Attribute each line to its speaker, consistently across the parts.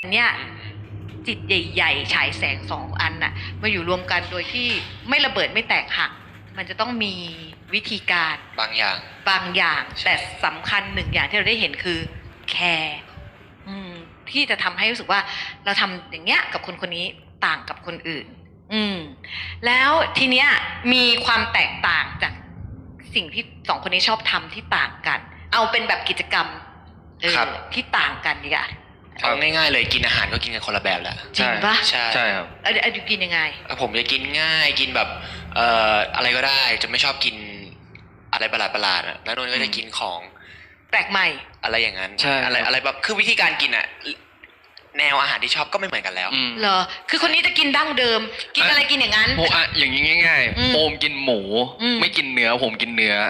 Speaker 1: เนี่ยจิตใหญ่ๆฉายแสงสองอันน่ะมาอยู่รวมกันโดยที่ไม่ระเบิดไม่แตกหักมันจะต้องมีวิธีการ
Speaker 2: บางอย่าง
Speaker 1: แต่สำคัญหนึ่งอย่างที่เราได้เห็นคือแคร์ที่จะทำให้รู้สึกว่าเราทำอย่างเงี้ยกับคนคนนี้ต่างกับคนอื่นแล้วทีเนี้ยมีความแตกต่างจากสิ่งที่สองคนนี้ชอบทำที่ต่างกันเอาเป็นแบบกิจกรรมที่ต่างกันดีกว่า
Speaker 2: เอาง่ายๆเลยกินอาหารก็กินกันคนละแบบแหละ
Speaker 1: จริงปะ
Speaker 2: ใช่ครับ
Speaker 1: อยู่กินยังไง
Speaker 2: ผมจะกินง่ายกินแบบอะไรก็ได้จะไม่ชอบกินอะไรประหลาดๆแล้วนนท์ก็จะกินของ
Speaker 1: แปลกใหม่
Speaker 2: อะไรอย่างนั้นอะไรแบบคือวิธีการกินแนวอาหารที่ชอบก็ไม่เหมือนกันแล้ว
Speaker 1: เหรอคือคนนี้จะกินดั้งเดิมกินอะไรกินอย่างนั้น
Speaker 3: อย่างนี้ง่ายๆโอมกินหมูไม่กินเนื้อผมกินเนื้อ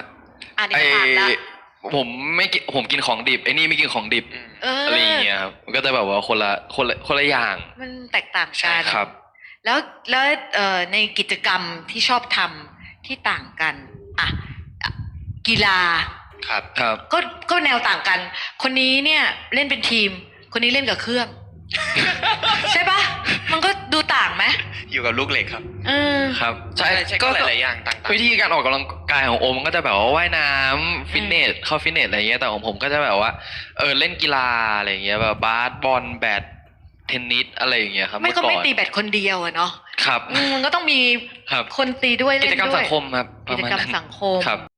Speaker 3: ผมไม่กินผมกินของดิบไอ้นี่ไม่กินของดิบอะไรอย่างเงี้ยครับมันก็จะแบบว่าคนละอย่าง
Speaker 1: มันแตกต่างกัน
Speaker 3: ครับ
Speaker 1: แล้วในกิจกรรมที่ชอบทำที่ต่างกันกีฬา
Speaker 2: ครับ
Speaker 1: ก็แนวต่างกันคนนี้เนี่ยเล่นเป็นทีมคนนี้เล่นกับเครื่องใช่ปะมันก็ดูต่างไหม
Speaker 2: อยู่กับลูกเหล็กครับ
Speaker 3: ครับ
Speaker 2: ใช่ก็หลายอย่างต่าง
Speaker 3: ๆวิธีการออกกำลังกายของโอมมันก็จะแบบว่าว่ายน้ำฟิตเนสเข้าฟิตเนสอะไรเงี้ยแต่ของผมก็จะแบบว่าเล่นกีฬาอะไรเงี้ยแบบบาสบอลแบดเทนนิสอะไรอย่างเงี้ยครับ
Speaker 1: ไม่ก็ไม่ตีแบดคนเดียวอะเนาะ
Speaker 3: ครับ
Speaker 1: มันก็ต้องมีคนตีด้วยเล่นด้วย
Speaker 3: กิจกรรมสังคมครับ
Speaker 1: กิจกรรมสังคม